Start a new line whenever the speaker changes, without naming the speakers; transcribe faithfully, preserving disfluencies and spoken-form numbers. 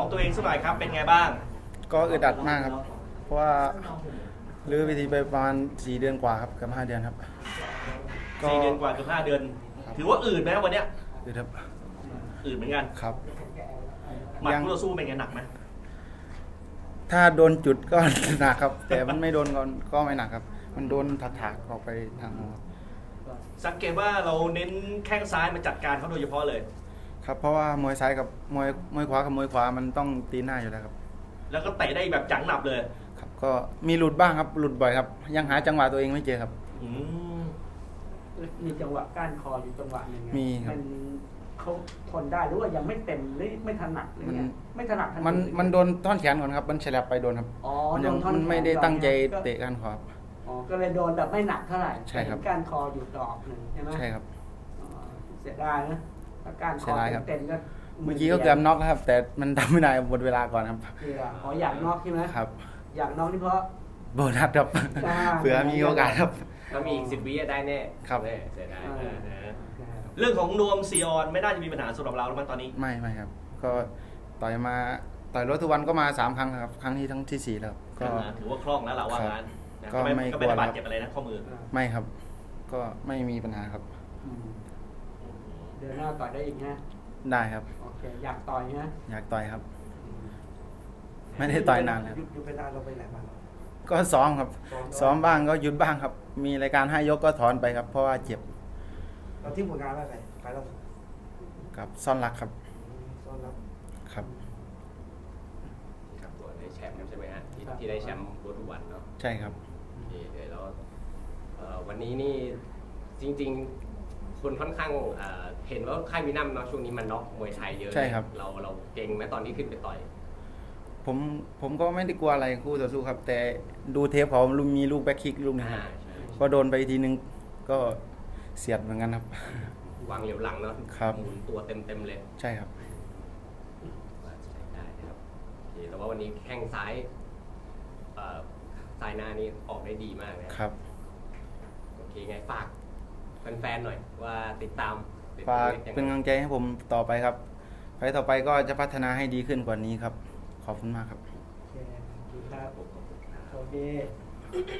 ของตัวเองสักหน่อยครับเป็นไงบ้าง
ก็อึดอัดมากครับเพราะว่าลื้อเวทีไปประมาณสี่เดือนกว่าครับเกือบห้าเดือนครับ
สี่เดือนกว่าเกือบห้าเดือนถือว่าอืดไหมวันเนี้ย
อืดครับ
อืดเหมือนกัน
ครับ
หมัดคู่ต่อสู้เป็นไงหนักไหม
ถ้าโดนจุดก็หนักครับแต่มันไม่โดนก็ไม่หนักครับมันโดนถักๆออกไปทางหัว
สังเกตว่าเราเน้นแข้งซ้ายมาจัดการเขาโดยเฉพาะเลย
ครับเพราะว่ามวยซ้ายกับมวยมวยขวากับมวยขวามันต้องตีหน้าอยู่แล้วครับ
แล้วก็เตะได้แบบจังหนับเลย
ครับก็มีหลุดบ้างครับหลุดบ่อยครับยังหาจังหวะตัวเองไม่เจอครับ
มีจังหวะก้านคออยู่จังหวะหนึ่ง
มีครับ
มันเขาทนได้หรือว่ายังไม่เต็มหรือไม่ถนัดอะไรเงี้ยไม่ถนัด
มันมันโดนท่อนแขนก่อนครับมันแฉลบไปโดนครับ
อ๋อ
มันยังมันไม่ได้ตั้งใจเตะก้านคอครับ
อ๋อก็เลยโดนแบบไม่หนักเท่าไหร่
ใช่ครับ
ก้านคออยู่ดอกหนึ่งใช่ไหม
ใช่ครับ
เสียดายนะก้านคอเต็มก็
เมื่อกี้ก็เกือบน็อกแล้วครับแต่มันทำไม่ได้หมดเวลาก่อนครับ
ขออยากน็อกใช่ไหม
ครับ
อยากน็อกนี่เพราะ
โบนัสครับเผื่อมีโอกาสครับ
ถ้ามีอีกสิบวิได้แน่
ครับ
เสียดาย
เรื่องของนวมซีออนไม่น่าจะมีปัญหาสำหรับเราแล้วมั้งตอนนี้
ไม่ไม่ครับก็ต่อยมาต่อยรถทุกวันก็มาสามครั้งครับครั้งนี้ทั้งที่สี่แล้ว
ก็ถือว่าคล่องแล้วเราว่างั้น
ก็ไม่
ก็ไม่ได้บาดเจ็บอะไรนะข้อมือ
ไม่ครับก็ไม่มีปัญหาครับ
เดือนหน้าต่อยได้อีกนะ
ได้ครับ
โอเคอยากต่อยนะ
อยากต่อยครับไม่ได้ต่อยนานแล้ว
หยุดไปนานเราไปไหนมา
ก็ซ้อมครับซ้อมบ้างก็หยุดบ้างครับมีรายการให้ยกก็ถอนไปครับเพราะว่าเจ็บ
เราที่ผลงานอะไรไปเรา
กับซ่อนรักครับ
ซ่อนรัก
ครับ
ครับตัวได้แชมป์ใช่ไหมฮะที่ที่ได้แชมป์รถทุกวันเนาะ
ใช่ครับ
โอเคเดี๋ยวเราวันนี้นี่จริงๆคนค่อนข้างเห็นว่าค่ายมินัมเนาะช่วงนี้มันน็อกมวยไทยเยอะ
ใช่ครับ
เราเราเก่งไหมตอนนี้ขึ้นไปต่อย
ผมผมก็ไม่ได้กลัวอะไรคู่ต่อสู้ครับแต่ดูเทปเขามีลูกแบ็คคิกลูกนึงก็โดนไปทีนึงก็เสียดเหมือนกันครับ
วางเหลียวหลังเนาะหมุนตัวเต็มเต็มเลย
ใช่ครับ
ได้ครับแต่ว่าวันนี้แข้งซ้ายซ้ายหน้านี่ออกได้ดีมากนะครับโอเคไงฝากแฟนๆหน่อยว่าติดตาม
ฝากเป็นกำลังใจให้ผมต่อไปครับไปต่อไปก็จะพัฒนาให้ดีขึ้นกว่านี้ครับขอบคุณมากครับ
โอเคครับโอเค